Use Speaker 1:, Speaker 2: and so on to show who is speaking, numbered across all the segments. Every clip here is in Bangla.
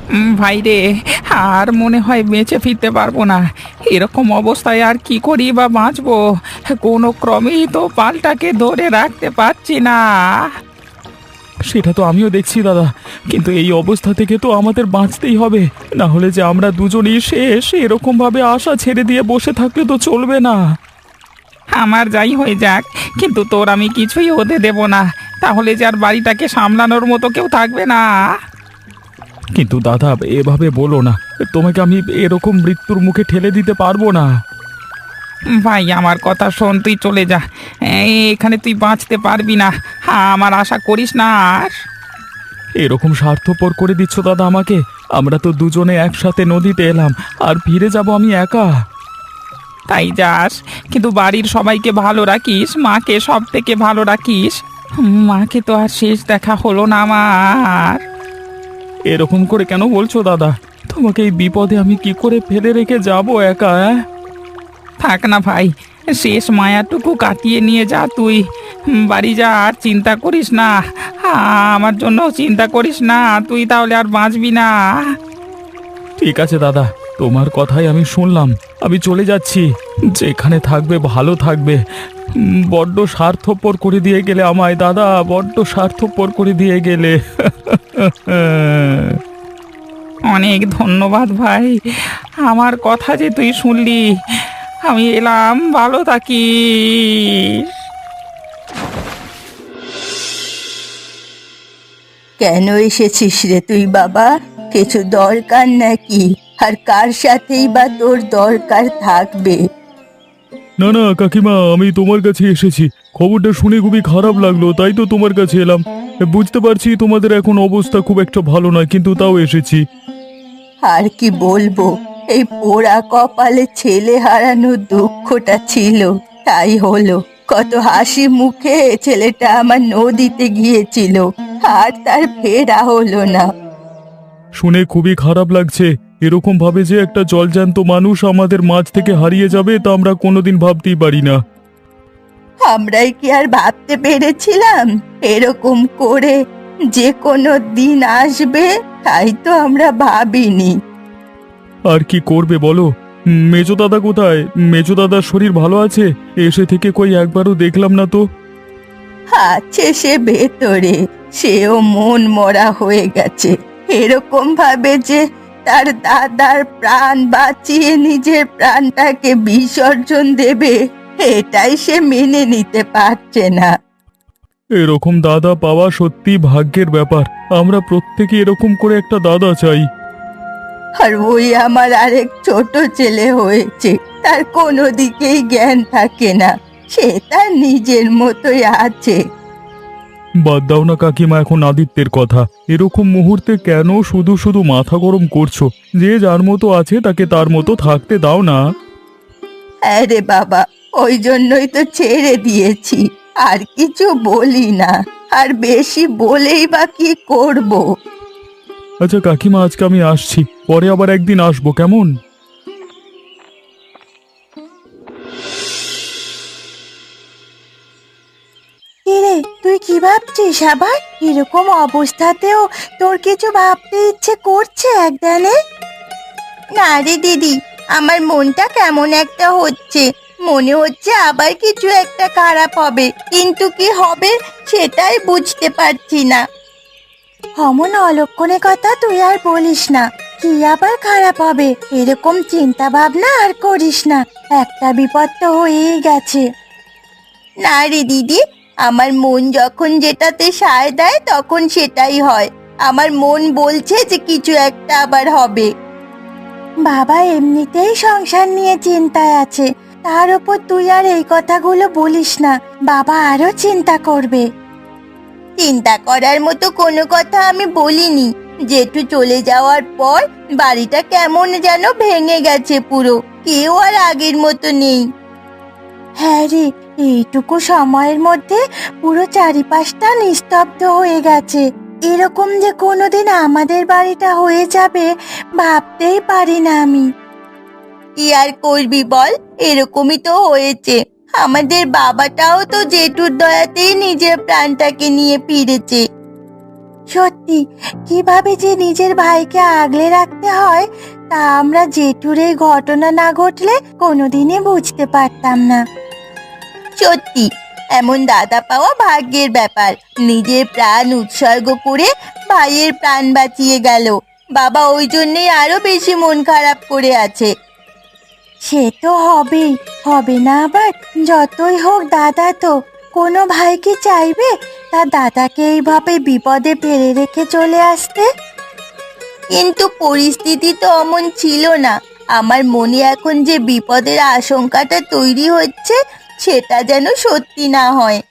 Speaker 1: ভাই রে, আর মনে হয় বেঁচে ফিরতে পারবো না। এরকম অবস্থায় আর কি করি বা বাঁচবো? কোনো ক্রমেই তো পালটাকে ধরে রাখতে পারছি না।
Speaker 2: সেটা তো আমিও দেখছি দাদা, কিন্তু এই অবস্থা থেকে তো আমাদের বাঁচতেই হবে। না হলে যে আমরা দুজনেই শেষ, এরকম ভাবে আশা ছেড়ে দিয়ে বসে থাকলে তো চলবে না।
Speaker 1: আমার যাই হয়ে যাক, কিন্তু তোর আমি কিছুই হতে দেব না। তাহলে যে আর বাড়িটাকে সামলানোর মতো কেউ থাকবে না।
Speaker 2: কিন্তু দাদা, এভাবে বলো না। তোমাকে আমি এরকম মৃত্যুর মুখে ঠেলে দিতে পারবো না।
Speaker 1: ভাই, আমার কথা শোন, তুই চলে যা। এখানে তুই বাঁচতে পারবি না। আমার আশা করিস না আর।
Speaker 2: এরকম স্বার্থপর করে দিচ্ছ দাদা আমাকে। আমরা তো দুজনে একসাথে নদীতে এলাম, আর ফিরে যাব আমি একা।
Speaker 1: তাই যাস, কিন্তু বাড়ির সবাইকে ভালো রাখিস, মাকে সব থেকে ভালো রাখিস। মাকে তো আর শেষ দেখা হলো না আমার।
Speaker 2: এরকম করে কেন বলছো দাদা? তোমাকে এই বিপদে আমি কি করে ফেলে রেখে যাব একা?
Speaker 1: থাক না ভাই, শেষ মায়াটুকু কাটিয়ে নিয়ে যা তুই। বাড়ি যা, আর চিন্তা করিস না। আমার জন্য চিন্তা করিস না, তুই তাহলে আর বাঁচবি না।
Speaker 2: ঠিক আছে দাদা, তোমার কথাই আমি শুনলাম। আমি চলে যাচ্ছি। যেখানে থাকবে ভালো থাকবে। বড্ড স্বার্থপর করে দিয়ে গেলে আমায় দাদা, বড্ড স্বার্থপর করে দিয়ে গেলে।
Speaker 1: অনেক ধন্যবাদ ভাই, আমার কথা যে তুই শুনলি। আমি এলাম, ভালো থাকিস।
Speaker 3: কেন এসেছিস রে তুই বাবা? কিছু দরকার নাকি? আর কার সাথেই বা তোর দরকার থাকবে?
Speaker 2: না না কাকিমা, আমি তোমার কাছে এসেছি। খবরটা শুনে খুবই খারাপ লাগলো, তাই তো তোমার কাছে এলাম। বুঝতে পারছি তোমাদের এখন অবস্থা খুব একটা ভালো নয়, কিন্তু তাও এসেছি।
Speaker 3: আর কি বলবো, এই পোড়া কপালে ছেলে হারানোর দুঃখটা ছিল, তাই হলো। কত হাসি মুখে ছেলেটা আমার নদীতে গিয়েছিল, আর তার ফেরা হলো না।
Speaker 2: শুনে খুবই খারাপ লাগছে। এরকম ভাবে যে একটা জলজ্যান্ত মানুষ আমাদের মাঝ থেকে হারিয়ে যাবে, তা আমরা কোনোদিন ভাবতেই পারি না।
Speaker 3: আমরাই কি আর ভাবতে পেরেছিলাম এরকম করে যে কোনো দিন আসবে? তাই তো আমরা ভাবিনি।
Speaker 2: আর কি করবে বলো? মেজো দাদা কোথায়? মেজো দাদার শরীর ভালো আছে? এসে থেকে কই একবারও দেখলাম না তো।
Speaker 3: আছে সে ভেতরে, সেও মন মরা হয়ে গেছে। এরকম ভাবে যে তার দাদার প্রাণ বাঁচিয়ে নিজের প্রাণটাকে বিসর্জন দেবে, এটাই সে মেনে নিতে পারছে না।
Speaker 2: এরকম দাদা পাওয়া সত্যি ভাগ্যের ব্যাপার। আমরা প্রত্যেকে এরকম করে একটা দাদা চাই।
Speaker 3: আর ওই আমার আরেক ছোট ছেলে হয়েছে, তার কোনো দিকেই জ্ঞান থাকে না, সে তার নিজের মতোই আছে।
Speaker 2: বাদ দাও না কাকিমা এখন আদিত্যের কথা। এরকম মুহূর্তে কেন শুধু শুধু মাথা গরম করছো? যে যার মতো আছে তাকে তার মতো থাকতে দাও না।
Speaker 3: আরে বাবা, ওই জন্যই তো ছেড়ে দিয়েছি, আর কিছু বলি না। আর বেশি বলেই বা কি করব?
Speaker 2: আচ্ছা কাকিমা, আজকে আমি আসছি, পরে আবার একদিন আসবো, কেমন?
Speaker 3: কিরে, তুই কি ভাবছিস আবার? এরকম অবস্থাতেও তোর কিছু ভাবতে ইচ্ছে করছে একদানে? না রে দিদি, আমার মনটা কেমন একটা হচ্ছে। মনে হচ্ছে আবার কিছু একটা খারাপ হবে, কিন্তু কি হবে সেটাই বুঝতে পারছি না। অমন অলক্ষণে কথা তুই আর বলিস না। কি আবার খারাপ হবে? এরকম চিন্তা ভাবনা আর করিস না। একটা বিপদ তো হয়েই গেছে। না রে দিদি, আমার মন যখন যেটাতে সায় দেয় তখন সেটাই হয়। আমার মন বলছে যে কিছু একটা আবার হবে। বাবা এমনিতেই সংসার নিয়ে চিন্তায় আছে, তার উপর তুই আর এই কথাগুলো বলিস না, বাবা আরো চিন্তা করবে। চিন্তা করার মতো কোনো কথা আমি বলিনি। জেঠু চলে যাওয়ার পর বাড়িটা কেমন যেন ভেঙে গেছে পুরো, কেউ আর আগের মতো নেই। হ্যাঁ রে, এইটুকু সময়ের মধ্যে পুরো চারিপাশটা নিস্তব্ধ হয়ে গেছে। এরকম যে কোনোদিন আমাদের বাড়িটা হয়ে যাবে ভাবতেই পারি না আমি। কি আর করবি বল, এরকমই তো হয়েছে। আমাদের বাবাটাও তো জেঠুর দয়াতেই নিজের প্রাণটাকে নিয়ে ফিরেছে। সত্যি কিভাবে যে নিজের ভাইকে আগলে রাখতে হয় তা আমরা জেঠুর এই ঘটনা না ঘটলে কোনোদিনই বুঝতে পারতাম না। সত্যি এমন দাদা পাওয়া ভাগ্যের ব্যাপার। নিজের প্রাণ উৎসর্গ করে ভাইয়ের প্রাণ বাঁচিয়ে গেল। বাবা ওই জন্যই আরো বেশি মন খারাপ করে আছে। সে তো হবেই, হবে না আবার? যতই হোক দাদা তো, কোনো ভাই কি চাইবে তার দাদাকে এইভাবে বিপদে ফেলে রেখে চলে আসতে? কিন্তু পরিস্থিতি তো অমন ছিল না। আমার মনে এখন যে বিপদের আশঙ্কাটা তৈরি হচ্ছে সেটা যেন সত্যি না হয়।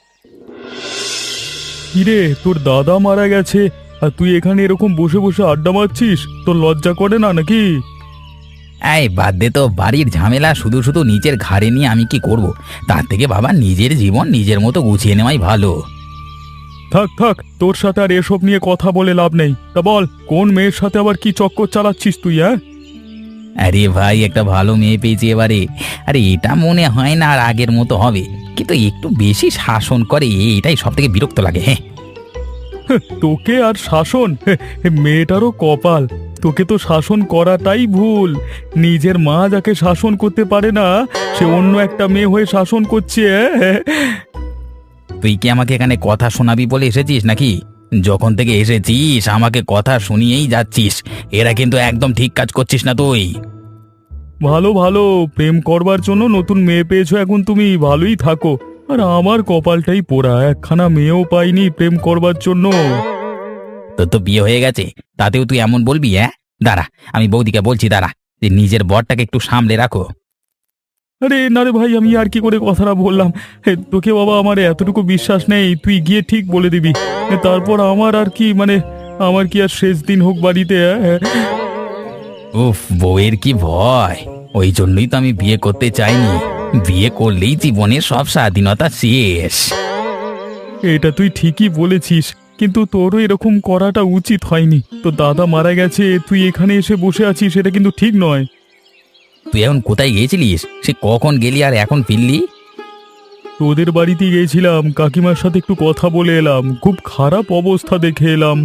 Speaker 2: কিরে, তোর দাদা মারা গেছে আর তুই এখানে এরকম বসে বসে আড্ডা মারছিস? তোর লজ্জা করে না নাকি?
Speaker 1: এই বাদ দে তো, বাড়ির ঝামেলা শুধু শুধু নিজের ঘাড়ে নিয়ে আমি কি করব? তার থেকে বাবা নিজের জীবন নিজের মতো গুছিয়ে নেওয়াই ভালো।
Speaker 2: থাক থাক, তোর সাথে আর এসব নিয়ে কথা বলে লাভ নেই। তা বল, কোন মেয়ের সাথে আবার কি চক্কর চালাচ্ছিস তুই?
Speaker 1: আরে ভাই, একটা ভালো মেয়ে পেয়েছি এবারে। আরে এটা মনে হয় না আর আগের মতো হবে, কিন্তু একটু বেশি শাসন করে, এটাই সব থেকে বিরক্ত লাগে। হ্যাঁ,
Speaker 2: তোকে আর শাসন? মেয়েটারও কপাল, তোকে তো শাসন করাটাই ভুল। নিজের মা যাকে শাসন করতে পারে না, সে অন্য একটা মেয়ে হয়ে শাসন করছে।
Speaker 1: তুই কি আমাকে এখানে কথা শোনাবি বলে এসেছিস নাকি? যখন থেকে এসেছিস আমাকে কথা শুনিয়েই যাচ্ছিস। এরা কিন্তু একদম ঠিক কাজ করছিস না তুই।
Speaker 2: ভালো ভালো, প্রেম করবার জন্য নতুন মেয়ে পেয়েছো এখন তুমি, ভালোই থাকো। আর আমার কপালটাই পোড়া, একখানা মেয়েও পাইনি প্রেম করবার জন্য।
Speaker 1: তোর তো বিয়ে হয়ে গেছে, তাতেও তুই এমন বলবি? হ্যাঁ, দাঁড়া, আমি বৌদিকে বলছি, দাঁড়া, যে নিজের বরটাকে একটু সামলে রাখো।
Speaker 2: আরে না রে ভাই, আমি আর কি করে কথাটা বললাম। তোকে বাবা আমার এতটুকু বিশ্বাস নেই, তুই গিয়ে ঠিক বলে দিবি। তারপর আমার আর কি, মানে আমার কি আর শেষ দিন হোক বাড়িতে?
Speaker 1: উফ, বউয়ের কি ভয়! ওই জন্যই তো আমি বিয়ে করতে চাইনি। বিয়ে করলেই জীবনের সব স্বাধীনতা শেষ।
Speaker 2: এটা তুই ঠিকই বলেছিস, কিন্তু তোরও এরকম করাটা উচিত হয়নি। তো দাদা মারা গেছে, তুই এখানে এসে বসে আছিস, এটা কিন্তু ঠিক নয়।
Speaker 1: তুই এখন কোথায় গিয়েছিলিস? সে কখন গেলি আর এখন ফিরলি?
Speaker 2: তোদের বাড়িতে গিয়েছিলাম, কাকিমার সাথে একটু কথা বলে এলাম, খুব খারাপ অবস্থা দেখে এলাম।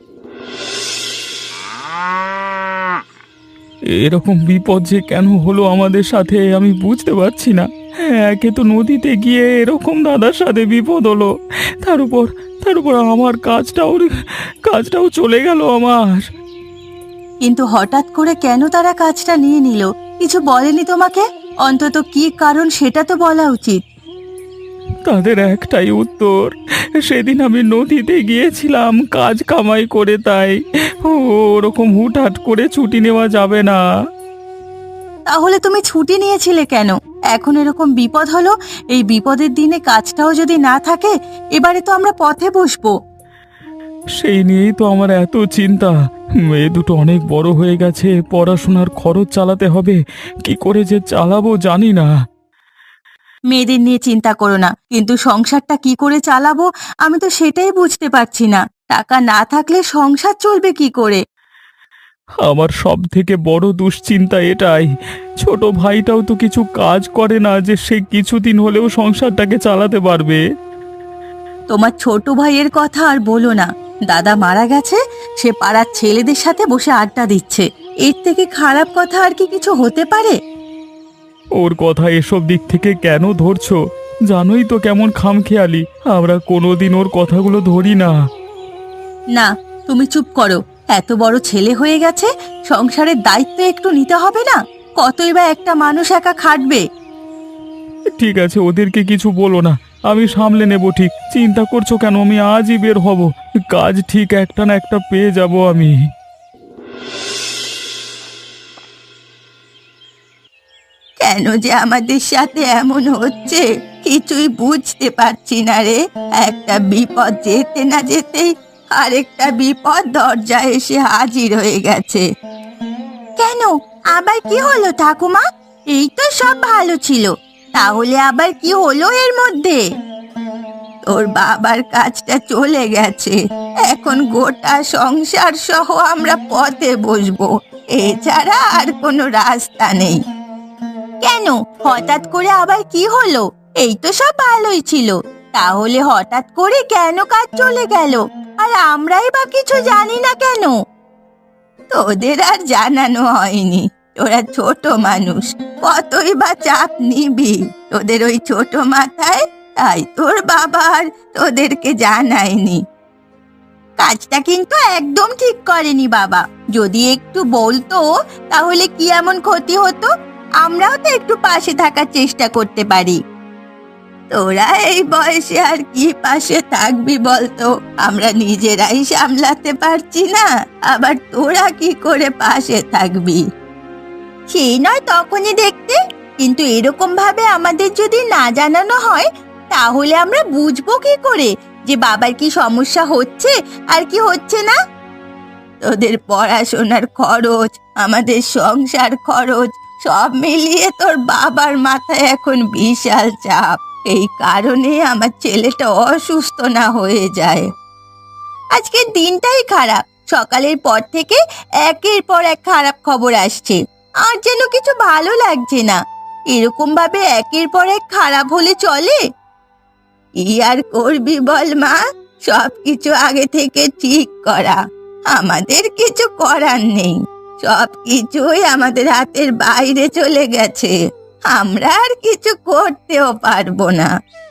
Speaker 2: এরকম বিপদ যে কেন হলো আমাদের সাথে আমি বুঝতে পারছি না। একে তো নদীতে গিয়ে এরকম দাদার সাথে বিপদ হলো, তার উপর আমার কাজটাও চলে গেল আমার।
Speaker 3: কিন্তু হঠাৎ করে কেন তারা কাজটা নিয়ে নিল? কিছু বলেনি তোমাকে? অন্তত কি কারণ সেটা তো বলা উচিত।
Speaker 2: তাদের একটাই উত্তর, সেদিন আমি নদীতে গিয়েছিলাম কাজ কামাই করে, তাই ওরকম হুটহাট করে ছুটি নেওয়া যাবে না।
Speaker 3: তাহলে তুমি ছুটি নিয়েছিলে কেন? এখন এরকম বিপদ হলো, এই বিপদের দিনে কাজটাও যদি না থাকে, এবারে তো আমরা পথে বসবো।
Speaker 2: সেই নিয়েই তো আমার এত চিন্তা। মেয়ে দুটো অনেক বড় হয়ে গেছে, পড়াশোনার খরচ চালাতে হবে, কি করে যে চালাবো জানি না।
Speaker 3: মেয়েদের নিয়ে চিন্তা করো না, কিন্তু সংসারটা কি করে চালাবো আমি তো সেটাই বুঝতে পারছি না। টাকা না থাকলে সংসার চলবে কি করে?
Speaker 2: আমার সব থেকে বড় দুশ্চিন্তা এটাই, ছোট ভাইটাও তো কিছু কাজ করে না যে সে কিছুদিন হলেও সংসারটাকে চালাতে পারবে।
Speaker 3: তোমার ছোট ভাইয়ের কথা আর বলো না। দাদা মারা গেছে, সে পাড়ার ছেলেদের সাথে বসে আড্ডা দিচ্ছে। এর থেকে খারাপ কথা আর কি কিছু হতে পারে?
Speaker 2: ওর কথা এসব দিক থেকে কেন ধরছো? জানোই তো কেমন খামখেয়ালি, আমরা কোনোদিন ওর কথাগুলো ধরি না।
Speaker 3: না, তুমি চুপ করো। এত বড় ছেলে হয়ে গেছে, সংসারের দায়িত্ব একটু নিতে হবে না? কতই বা একটা মানুষ একা খাটবে?
Speaker 2: ঠিক আছে, ওদেরকে কিছু বলো না, আমি সামলে নেব। ঠিক চিন্তা করছো কেন? আমি আজই বের হব, কাজ ঠিক একটা না একটা পেয়ে যাব আমি।
Speaker 3: কেন যে আমাদের সাথে এমন হচ্ছে কিছুই বুঝতে পারছি না রে। একটা বিপদ যেতে না যেতেই আরেকটা বিপদ দরজায় এসে হাজির হয়ে গেছে। কেন, আবার কি হলো ঠাকুমা? এই তো সব ভালো ছিল, তাহলে আবার কি হলো এর মধ্যে? তোর বাবার কাজটা চলে গেছে, এখন গোটা সংসার সহ আমরা পথে বসবো, এছাড়া আর কোনো রাস্তা নেই। কেন, হঠাৎ করে আবার কি হলো? এই তো সব ভালোই ছিল। তাহলে হঠাৎ করে কেন কাজ চলে গেল? আর আমরাই বা কিছু জানি না কেন? তোদের আর জানানো হয়নি, তোরা ছোট মানুষ, কতই বা চাপ নিবি তোদের ওই ছোট মাথায়। তাই তোর বাবা আর তোদেরকে জানায়নি। কাজটা কিন্তু একদম ঠিক করেনি বাবা। যদি একটু বলতো তাহলে কি এমন ক্ষতি হতো? আমরাও তো একটু পাশে থাকার চেষ্টা করতে পারি। তোরা এই বয়সে আর কি পাশে থাকবি বলতো? আমরা নিজেরাই সামলাতে পারছি না, আবার তোরা কি করে পাশে থাকবি? সেই নয় তখনই দেখতে, কিন্তু এরকম ভাবে আমাদের যদি না জানানো হয় তাহলে আমরা বুঝবো কি করে যে বাবার কি সমস্যা হচ্ছে আর কি হচ্ছে না? তোদের পড়াশোনার খরচ, আমাদের সংসার খরচ, সব মিলিয়ে তোর বাবার মাথায় এখন বিশাল চাপ। এই কারণে আমার ছেলেটা অসুস্থ না হয়ে যায়। আজকের দিনটাই খারাপ। সকালের পর থেকে একের পর এক খারাপ খবর আসছে, আর যেন কিছু ভালো লাগছে না। এরকম ভাবে একের পর এক খারাপ হলে চলে? কি আর করবি বল মা, সবকিছু আগে থেকে ঠিক করা, আমাদের কিছু করার নেই। সবকিছুই আমাদের হাতের বাইরে চলে গেছে, আমরা আর কিছু করতেও পারবো না।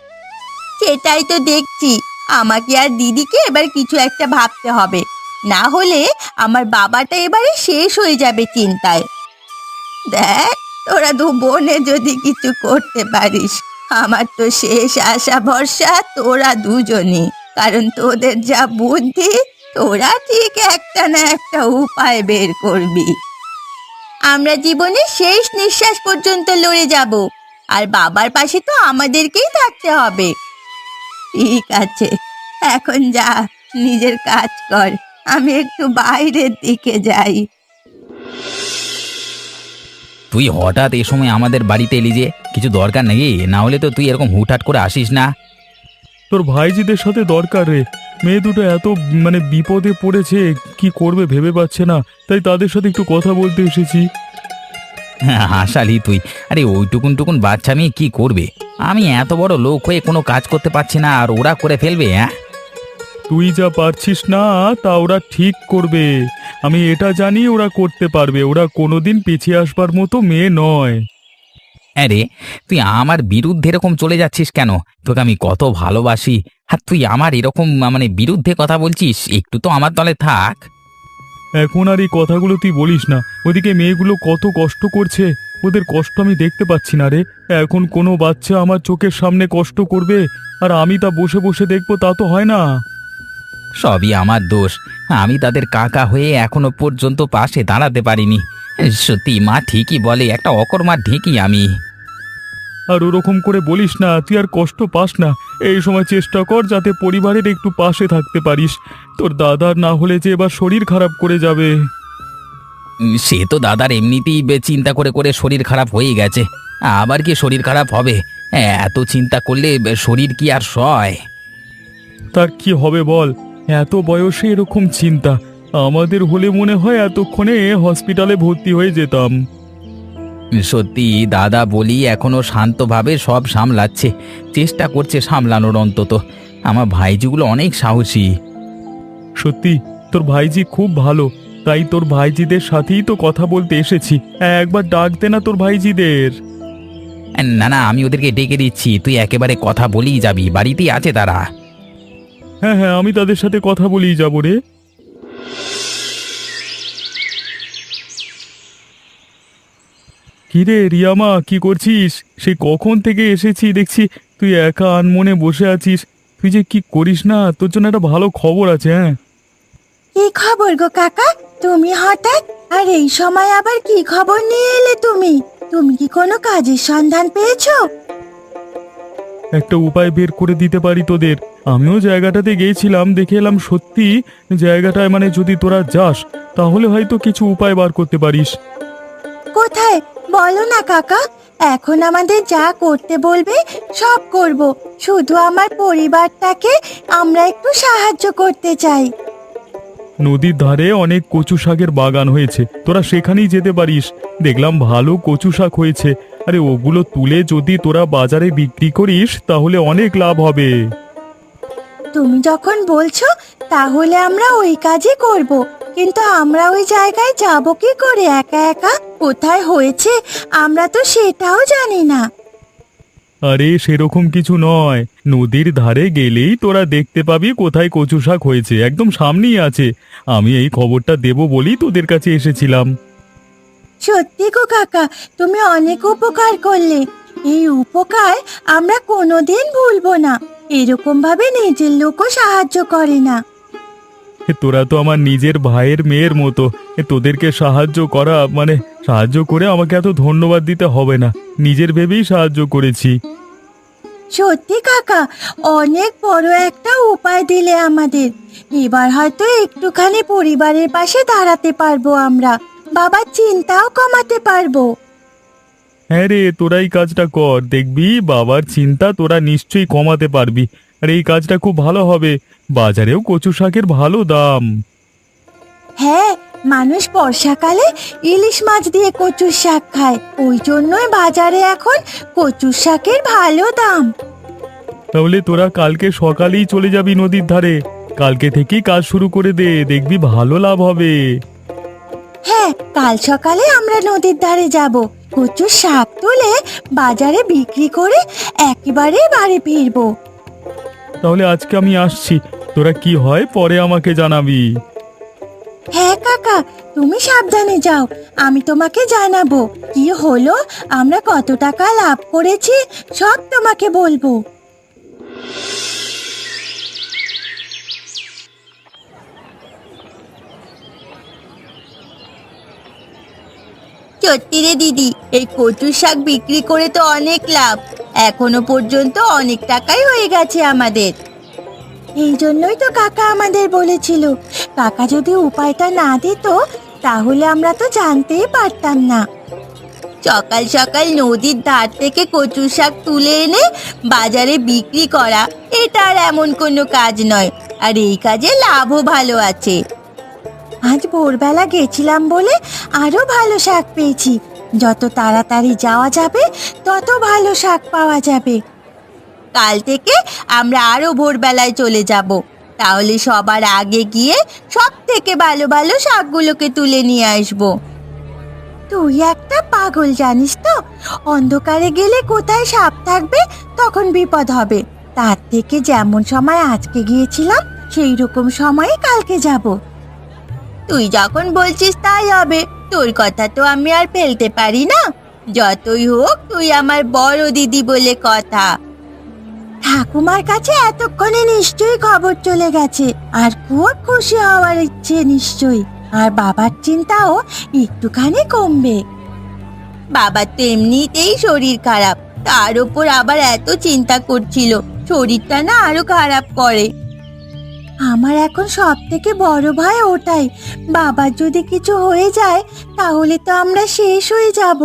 Speaker 3: সেটাই তো দেখছি, আমাকে আর দিদিকে এবার কিছু একটা ভাবতে হবে, না হলে আমার বাবাটা এবারে শেষ হয়ে যাবে চিন্তায়। দেখ, তোরা দু বোনে যদি কিছু করতে পারিস, আমার তো শেষ আশা ভরসা তোরা দুজনই। কারণ তোদের যা বুদ্ধি, তোরা ঠিক একটা না একটা উপায় বের করবি। আমরা জীবনে শেষ নিঃশ্বাস পর্যন্ত লড়ে যাব, আর বাবার পাশে তো আমাদেরকেই থাকতে হবে। ঠিক আছে, এখন যা, নিজের কাজ কর, আমি একটু বাইরের দিকে যাই।
Speaker 4: তুই হঠাৎ এ সময় আমাদের বাড়িতে এলি যে? কিছু দরকার নাকি? না হলে তো তুই এরকম হুটহাট করে আসিস না।
Speaker 2: তোর ভাইজিদের সাথে দরকার রে। মেয়ে দুটো এত বিপদে পড়েছে, কি করবে ভেবে পাচ্ছে না, তাই তাদের সাথে একটু কথা বলতে এসেছি।
Speaker 4: হ্যাঁ, হাসালি তুই। আরে ওইটুকুন টুকুন বাচ্চা মেয়ে কি করবে? আমি এত বড় লোক হয়ে কোনো কাজ করতে পারছি না, আর ওরা করে ফেলবে? হ্যাঁ,
Speaker 2: তুই যা পারছিস না তা ওরা ঠিক করবে, আমি এটা জানি ওরা করতে পারবে। ওরা কোনোদিন পিছিয়ে আসবার মতো মেয়ে নয়।
Speaker 4: আরে তুই আমার বিরুদ্ধে এরকম চলে যাচ্ছিস কেন? তোকে আমি কত ভালোবাসি, আর তুই আমার এরকম বিরুদ্ধে কথা বলছিস? একটু তো আমার দলে থাক।
Speaker 2: এখন আর এই কথাগুলো তুই বলিস না। ওদিকে মেয়েগুলো কত কষ্ট করছে, ওদের কষ্ট আমি দেখতে পাচ্ছি না রে। এখন কোনো বাচ্চা আমার চোখের সামনে কষ্ট করবে আর আমি তা বসে বসে দেখবো, তা তো হয় না।
Speaker 4: সবই আমার দোষ, আমি তাদের কাকা হয়ে এখনো পর্যন্ত পাশে দাঁড়াতে পারিনি। সত্যি মা ঠিকই বলে, একটা অকর্মার ঢেঁকি আমি।
Speaker 2: আর ওরকম করে বলিস না, তুই আর কষ্ট পাস না। এই সময় চেষ্টা কর যাতে পরিবারের একটু পাশে থাকতে পারিস। তোর দাদার না হলে যে এবার শরীর খারাপ করে যাবে।
Speaker 4: সে তো দাদার এমনিতেই চিন্তা করে করে শরীর খারাপ হয়ে গেছে, আবার কি শরীর খারাপ হবে? এত চিন্তা করলে শরীর কি আর সয়?
Speaker 2: তার কি হবে বল, এত বয়সে এরকম চিন্তা। আমাদের হলে মনে হয় এতক্ষণে হসপিটালে ভর্তি হয়ে যেতাম।
Speaker 4: সত্যি দাদা বলি এখনো শান্তভাবে সব সামলাচ্ছে, চেষ্টা করছে সামলানোর অন্তত। আমার ভাইজিগুলো অনেক সাহসী।
Speaker 2: সত্যি তোর ভাইজি খুব ভালো, তাই তোর ভাইজিদের সাথেই তো কথা বলতে এসেছি। একবার ডাক দে না তোর ভাইজিদের।
Speaker 4: না না, আমি ওদেরকে ডেকে দিচ্ছি, তুই একেবারে কথা বলেই যাবি, বাড়িতেই আছে তারা।
Speaker 2: হ্যাঁ হ্যাঁ, আমি তাদের সাথে কথা বলেই যাবো রে। কিরে রিয়ামা, কি করছিস? সেই কখন থেকে এসেছি দেখছি তুই একা আনমনে বসে আছিস। তুই যে কি করিস না, তোর জন্য একটা ভালো খবর আছে। হ্যাঁ,
Speaker 3: কি খবর গো কাকা? তুমি হঠাৎ আর এই সময় আবার কি খবর নিয়ে এলে তুমি? তুমি কি কোনো কাজের সন্ধান পেয়েছো?
Speaker 2: একটা উপায় বের করে দিতে পারি তোদের। আমিও জায়গাটাতে গিয়েছিলাম, দেখে এলাম সত্যি জায়গাটায় যদি তোরা যাস তাহলে হয়তো কিছু উপায় বার করতে পারিস।
Speaker 3: কোথায় বলো না কাকা, এখন আমাদের যা করতে বলবে সব করব। শুধু আমার পরিবারটাকে আমরা একটু সাহায্য করতে চাই।
Speaker 2: নদীর ধারে অনেক কচু শাকের বাগান হয়েছে, তোরা সেখানেই যেতে পারিস। দেখলাম ভালো কচু শাক হয়েছে, আরে ওগুলো তুলে যদি তোরা বাজারে বিক্রি করিস তাহলে অনেক লাভ হবে।
Speaker 3: তুমি যখন বলছো তাহলে আমরা ওই কাজই করব, কিন্তু আমরা ওই জায়গায় যাব কি করে একা একা? কোথায় হয়েছে আমরা তো সেটাও জানি না।
Speaker 2: আরে সেরকম কিছু নয়, নদীর ধারে গেলেই তোরা দেখতে পাবি কোথায় কচু শাক হয়েছে, একদম সামনেই আছে। আমি এই খবরটা দেবো বলেই তোদের কাছে এসেছিলাম।
Speaker 3: সত্যি গো কাকা, তুমি অনেক উপকার করলে। এই উপকার আমরা কোনোদিন ভুলবো না। এরকম ভাবে নিজের লোকও সাহায্য করে না।
Speaker 2: তোরা তো আমার নিজের ভাইয়ের মেয়ের মতো। তোদেরকে সাহায্য করা মানে সাহায্য করে আমাকে এত ধন্যবাদ দিতে হবে না, নিজের ভেবেই সাহায্য করেছি।
Speaker 3: সত্যি কাকা, অনেক বড় একটা উপায় দিলে আমাদের। এবার হয়তো একটুখানি পরিবারের পাশে দাঁড়াতে পারবো আমরা, বাবার চিন্তাও কমাতে পারবো।
Speaker 2: হ্যাঁ রে, তোরা এই কাজটা কর, দেখবি বাবার চিন্তা তোরা নিশ্চয়ই কমাতে পারবি। আর এই কাজটা খুব ভালো হবে, বাজারেও কচু শাকের ভালো দাম।
Speaker 3: হ্যাঁ, মানুষ বর্ষাকালে ইলিশ মাছ দিয়ে কচুর শাক খায়, ওই জন্যই বাজারে এখন কচুর শাকের ভালো দাম।
Speaker 2: তাহলে তোরা কালকে সকালেই চলে যাবি নদীর ধারে, কালকে থেকেই কাজ শুরু করে দে, দেখবি ভালো লাভ হবে।
Speaker 3: হ্যাঁ, কাল সকালে আমরা নদীর ধারে যাব, কচুর শাক তুলে বাজারে বিক্রি করে একেবারে বাড়ি ফিরবো।
Speaker 2: তাহলে আজকে আমি আসছি, তোরা কি হয় পরে আমাকে জানাবি।
Speaker 3: হ্যাঁ কাকা, তুমি সাবধানে যাও, আমি তোমাকে জানাবো কি হলো, আমরা কত টাকা লাভ করেছি সব তোমাকে বলবো। সত্যি রে দিদি, এই কচুর শাক বিক্রি করে তো অনেক লাভ, এখনো পর্যন্ত অনেক টাকাই হয়ে গেছে আমাদের। এই জন্যই তো কাকা আমাদের বলেছিল, কাকা যদি উপায়টা না দিত তাহলে আমরা তো জানতেই পারতাম না। সকাল সকাল নদীর ধার থেকে কচুর শাক তুলে এনে বাজারে বিক্রি করা, এটা আর এমন কোনো কাজ নয়, আর এই কাজে লাভও ভালো আছে। আজ ভোরবেলা গেছিলাম বলে আরো ভালো শাক পেয়েছি, যত তাড়াতাড়ি যাওয়া যাবে তত ভালো শাক পাওয়া যাবে। কাল থেকে আমরা আরো ভোরবেলায় চলে যাব, তাহলে সবার আগে গিয়ে সব থেকে ভালো ভালো শাকগুলোকে তুলে নিয়ে আসবো। তুই একটা পাগল জানিস তো, অন্ধকারে গেলে কোথায় সাপ থাকবে তখন বিপদ হবে, তার থেকে যেমন সময় আজকে গিয়েছিলাম সেই রকম সময়ে কালকে যাব। তুই যখন বলছিস তাই হবে, তোর কথা তো আমি আর ফেলতে পারি না, যতই হোক তুই আমার বড় দিদি বলে কথা। ঠাকুমার কাছে এতক্ষণে নিশ্চয়ই খবর চলে গেছে, আর খুব খুশি হওয়ার ইচ্ছে নিশ্চয়ই, আর বাবার চিন্তাও একটুখানি কমবে। বাবার তো এমনিতেই শরীর খারাপ, তার উপর আবার এত চিন্তা করছিল, শরীরটা না আরো খারাপ করে। আমার এখন সব থেকে বড় ভয় ওটাই, বাবার যদি কিছু হয়ে যায় তাহলে তো আমরা শেষ হয়ে যাব।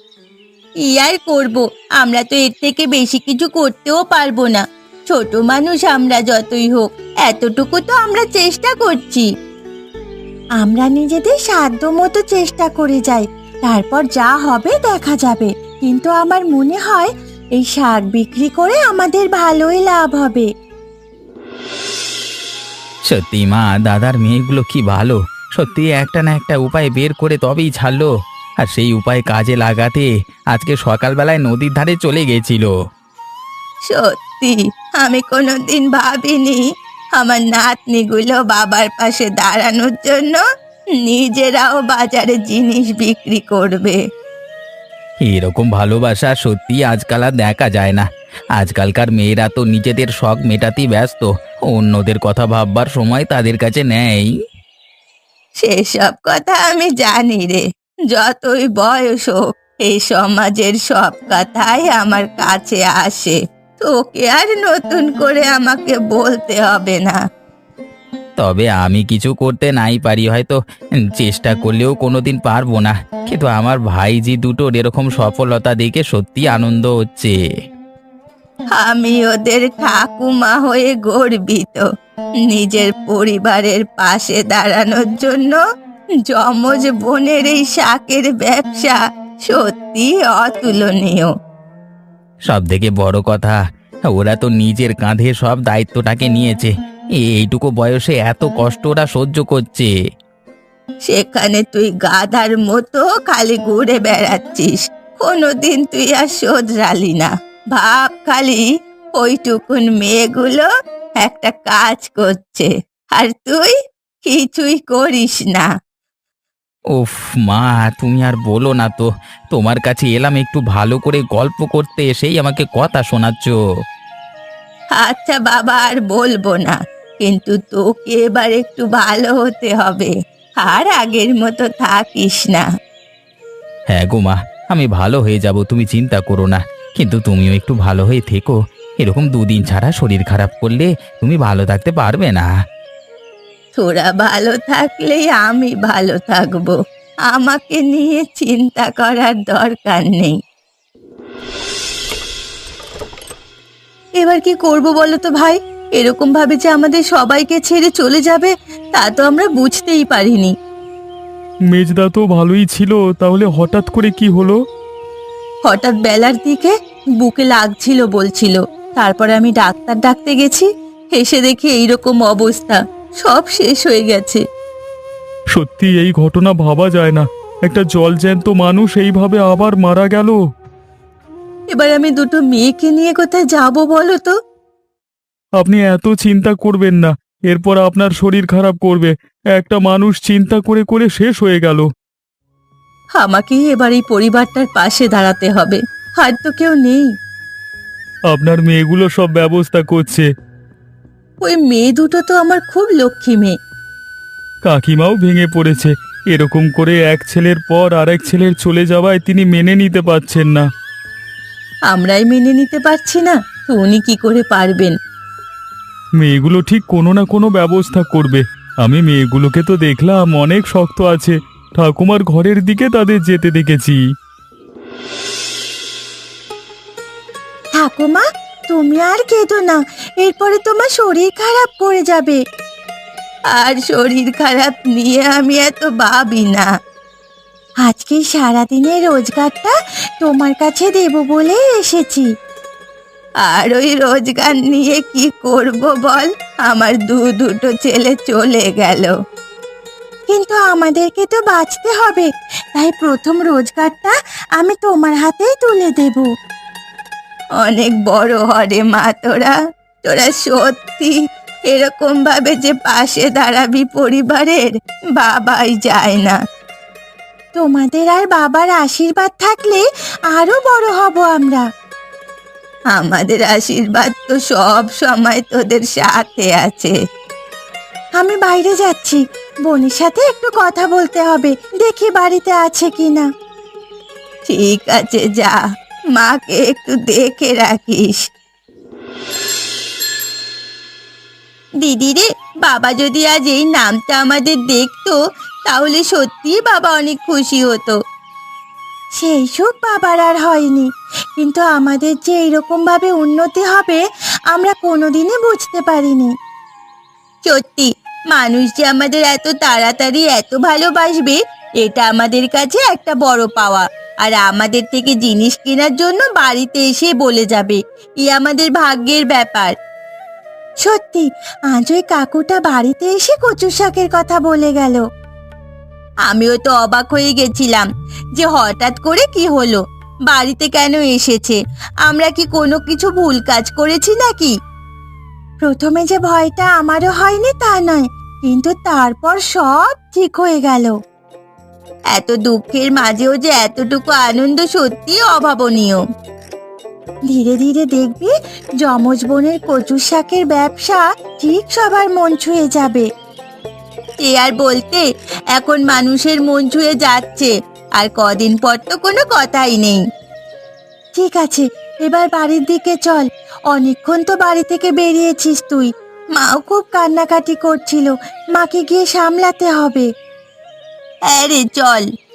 Speaker 3: কি আর করব, আমরা তো এর থেকে বেশি কিছু করতেও পারবো না, ছোট মানুষ আমরা যতই হোক, এতটুকু তো আমরা চেষ্টা করছি। আমরা নিজেদের সাধ্য মতো চেষ্টা করে যাই, তারপর যা হবে দেখা যাবে, কিন্তু আমার মনে হয় এই শাক বিক্রি করে আমাদের ভালোই লাভ হবে।
Speaker 4: সত্যি মা, দাদার মেয়েগুলো কি ভালো, সত্যি একটা না একটা উপায় বের করে তবেই ছাড়লো, আর সেই উপায় কাজে লাগাতে আজকে সকালবেলায় নদীর ধারে চলে গেছিল।
Speaker 3: সত্যি আমি কোনোদিন ভাবিনি আমার নাতনিগুলো বাবার পাশে দাঁড়ানোর জন্য নিজেরাও বাজারে জিনিস বিক্রি করবে।
Speaker 4: এরকম ভালোবাসা সত্যি আজকাল আর দেখা যায় না। আজকালকার মেয়েরা তো নিজেদের শখ মেটাতেই ব্যস্ত, অন্যদের কথা ভাববার সময় তাদের কাছে নেই।
Speaker 3: সেসব কথা আমি জানি রে, যতই বয়স হোক এই সমাজের সব কথাই আমার কাছে আসে, তোকে আর নতুন করে আমাকে বলতে হবে না।
Speaker 4: তবে আমি কিছু করতে নাই পারি হয়তো, চেষ্টা করলেও কোনোদিন পারবো না, কিন্তু আমার ভাইজি দুটোর এরকম সফলতা দেখে সত্যি আনন্দ হচ্ছে।
Speaker 3: আমি ওদের ঠাকুমা হয়ে গর্বিত, নিজের পরিবারের পাশে দাঁড়ানোর জন্য যমজ বোনের এই শাকের ব্যবসা সত্যি অতুলনীয়।
Speaker 4: সব থেকে বড় কথা, ওরা তো নিজের কাঁধে সব দায়িত্বটাকে নিয়েছে। এইটুকু বয়সে এত কষ্ট ওরা সহ্য করছে।
Speaker 3: সেখানে তুই গাধার মতো খালি ঘুরে বেড়াচ্ছিস, কোনোদিন তুই আর শোধরালি না। ভাব খালি, ওইটুকুন মেয়েগুলো একটা কাজ করছে আর তুই কিছুই করিস না।
Speaker 4: উফ মা, তুমি আর বলো না তো। তোমার কাছে এলাম একটু ভালো করে গল্প করতে, এসেই আমাকে কথা শোনাচ্ছ।
Speaker 3: আচ্ছা বাবা, আর বলবো না, কিন্তু তোকে এবার একটু ভালো হতে হবে, আর আগের মতো থাকিস না।
Speaker 4: হ্যাঁ গো মা, আমি ভালো হয়ে যাব, তুমি চিন্তা করো না। কিন্তু তুমিও একটু ভালো হয়ে থেকো। এরকম দুদিন ছাড়া শরীর খারাপ করলে তুমি ভালো থাকতে পারবে না।
Speaker 3: তোরা ভালো থাকলেই আমি ভালো থাকবো, আমাকে নিয়ে চিন্তা করার দরকার নেই। এবার কি করব বলো তো ভাই? এরকম ভাবে যে আমাদের সবাইকে ছেড়ে চলে যাবে তা তো আমরা বুঝতেই পারিনি।
Speaker 2: মেজদা তো ভালোই ছিল, তাহলে হঠাৎ করে কি হলো?
Speaker 3: হঠাৎ বেলার দিকে বুকে লাগছিল বলছিল, তারপরে আমি ডাক্তার ডাকতে গেছি, এসে দেখি এইরকম অবস্থা, সব শেষ হয়ে গেছে।
Speaker 2: সত্যি এই ঘটনা ভাবা যায় না, একটা জলজ্যান্ত মানুষ এইভাবে আবার মারা গেল।
Speaker 3: এবার আমি দুটো মেয়েকে নিয়ে কোথায় যাব বলো তো?
Speaker 2: আপনি এত চিন্তা করবেন না, এরপর আপনার শরীর খারাপ করবে। একটা মানুষ চিন্তা করে করে শেষ হয়ে গেল।
Speaker 3: আমাকেই এবার এই পরিবারটার পাশে দাঁড়াতে হবে, আর তো কেউ নেই।
Speaker 2: আপনার মেয়েগুলো সব ব্যবস্থা করছে।
Speaker 3: ওই মেয়ে দুটো তো আমার খুব লক্ষ্মী মেয়ে।
Speaker 2: কাকিমাও ভেঙে পড়েছে। এরকম করে এক ছেলের পর আরেক ছেলের চলে যাওয়ায় তিনি মেনে নিতে পারছেন না।
Speaker 3: আমরাই মেনে নিতে পারছি না, তো উনি কি করে পারবেন?
Speaker 2: মেয়েগুলো ঠিক কোনো না কোনো ব্যবস্থা করবে। আমি মেয়েগুলোকে তো দেখলাম অনেক শক্ত আছে, ঠাকুমার ঘরের দিকে তাদের যেতে দেখেছি।
Speaker 3: ঠাকুমা, তুমি আর কেঁদো না, এরপরে তোমার শরীর খারাপ করে যাবে। আর শরীর খারাপ নিয়ে আমি এত ভাবি না। আজকে সারাদিনের রোজগারটা তোমার কাছে দেব বলে এসেছি। আর ওই রোজগার নিয়ে কি করব বল? আমার দুটো ছেলে চলে গেল, কিন্তু আমাদেরকে তো বাঁচতে হবে, তাই প্রথম রোজগারটা আমি তোমার হাতেই তুলে দেব। অনেক বড় হরে মা, তোরা তোরা সত্যি এরকম ভাবে যে পাশে দাঁড়াবি পরিবারের, বাবাই যায় না। তোমাদের আর বাবার আশীর্বাদ থাকলে আরো বড় হব আমরা। আমাদের আশীর্বাদ তো সব সময় তোদের সাথে আছে। আমি বাইরে যাচ্ছি, বোনের সাথে একটু কথা বলতে হবে, দেখি বাড়িতে আছে কিনা। ঠিক আছে, যা, মাকে একটু দেখে রাখিস। দিদি রে, বাবা যদি আজ এই নামটা আমাদের দেখতো তাহলে সত্যি বাবা অনেক খুশি হতো। সেই সুখ বাবার আর হয়নি, কিন্তু আমাদের যে এইরকম ভাবে উন্নতি হবে আমরা কোনোদিনই বুঝতে পারিনি। সত্যি, মানুষ যে আমাদের এত তাড়াতাড়ি এত ভালোবাসবে এটা আমাদের কাছে একটা বড় পাওয়া। আর আমাদের থেকে জিনিস কেনার জন্য বাড়িতে এসে বলে যাবে, আমাদের ভাগ্যের ব্যাপার। সত্যি, আজ ওই কাকুটা বাড়িতে এসে কচু শাকের কথা বলে গেল। আমিও তো অবাক হয়ে গেছিলাম যে হঠাৎ করে কি হলো, বাড়িতে কেন এসেছে, আমরা কি কোনো কিছু ভুল কাজ করেছি নাকি? প্রথমে যে ভয়টা আমারও হয়নি তা নয়, কিন্তু তারপর সব ঠিক হয়ে গেল। এত দুঃখের মাঝেও যে এতটুকু আনন্দ সত্যি অভাবনীয়। ধীরে ধীরে দেখবি যমজ বোনের কচু শাকের ব্যবসা ঠিক সবার মন ছুঁয়ে যাবে। এ আর বলতে, এখন মানুষের মন ছুঁয়ে যাচ্ছে, আর কদিন পর তো কোনো কথাই নেই। ঠিক আছে, এবার বাড়ির দিকে চল, অনেকক্ষণ তো বাড়ি থেকে বেরিয়েছিস তুই। মাও খুব কান্নাকাটি করছিল, মাকে গিয়ে সামলাতে হবে। হ্যাঁ রে, চল।